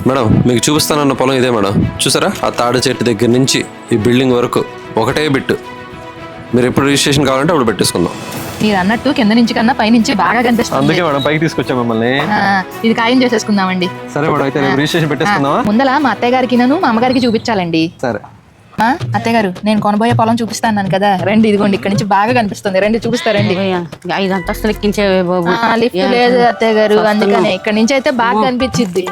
Madam మీకు చూపిస్తానన్న పొలం ఇదే మేడం. చూసారా ఆ తాడి చెట్టు దగ్గర నుంచి ఈ బిల్డింగ్ వరకు ఒకటే బిట్టు. మీరు ఎప్పుడు రిజిస్ట్రేషన్ కావాలంటే అప్పుడు పెట్టేసుకుందాం. మీరు అన్నట్టు కింద నుంచి కన్నా పై నుంచి బాగా కనిపిస్తుంది. అందుకే మేడం పైకి తీసుకొచ్చాం మిమ్మల్ని. ఇది ఖాయం చేసేసుకుందామండి. సరే మేడం, అయితే రిజిస్ట్రేషన్ పెట్టేసుకుందామా? ముందల మా అత్తయ్య గారికి మా అమ్మగారికి చూపించాలండి. సరే అత్తయ్య గారు, నేను కొనబోయే పొలం చూపిస్తాను కదా, రండి. ఇదిగోండి ఇక్కడ నుంచి బాగా కనిపిస్తుంది, రండి చూపిస్తారండి. 5 అంతస్తులు ఎక్కించే బాబు. లిఫ్ట్ లేదు అత్తయ్య గారు, అందుకనే ఇక్కడ నుంచి అయితే బాగా కనిపించింది.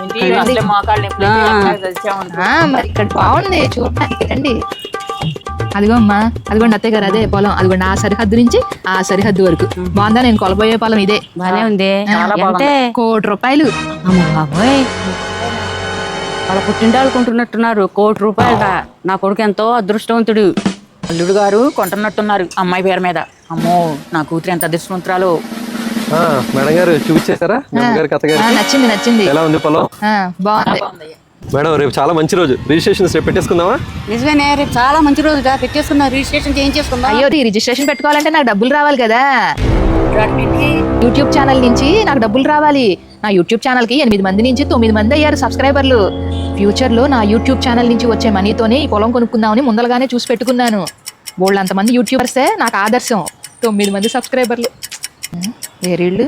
మరి ఇక్కడ బాగుంది చూడటానికి, రండి. అదిగో అమ్మా, అదిగోండి అత్తయ్య గారు, అదే పొలం. అదిగోండి ఆ సరిహద్దు నుంచి ఆ సరిహద్దు వరకు. బాగుందా? నేను కొలబోయే పొలం ఇదే. బానే ఉంది. అంటే ₹1,00,00,000. అమ్మ బాబోయ్, వాళ్ళ పుట్టింటాళ్ళు కొంటున్నట్టున్నారు. ₹1,00,00,000. నా కొడుకు ఎంతో అదృష్టవంతుడు. అల్లుడు గారు కొంటున్నట్టున్నారు అమ్మాయి పేరు మీద. అమ్మో, నా కూతురు ఎంత అదృష్టవంతురాలు. మేడం గారు చూపించేశారా? నచ్చింది నచ్చింది. ఎలా ఉంది పొలం? బాగుంది మేడం. రేపు చాలా మంచి రోజు, రిజిస్ట్రేషన్ రేపు పెట్టేసుకుందామా? నిజమేనే, రేపు చాలా మంచి రోజు. పెట్టేసుకున్నా, రిజిస్ట్రేషన్ చేయించేసుకుందా. అయ్యో, ఈ రిజిస్ట్రేషన్ పెట్టుకోవాలంటే నాకు డబ్బులు రావాలి కదా. యూట్యూబ్ ఛానల్ నుంచి నాకు డబ్బులు రావాలి. నా యూట్యూబ్ ఛానల్ కి 8 మంది నుంచి 9 మంది అయ్యారు సబ్స్క్రైబర్లు. ఫ్యూచర్ లో నా యూట్యూబ్ ఛానల్ నుంచి వచ్చే మనీతోనే ఈ పొలం కొనుక్కుందామని ముందలగానే చూసి పెట్టుకున్నాను. బోళ్ళంతమంది యూట్యూబర్సే నాకు ఆదర్శం. 9 మంది సబ్స్క్రైబర్లు. వేరేళ్ళు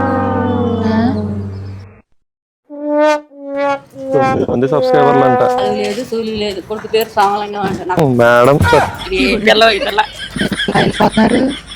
సబ్స్క్రైబర్లు అంట. లేదు సూలి లేదు, కొడుకు పేరు సామలింగం అంట. మేడం వెళ్ళిపోతున్నారు.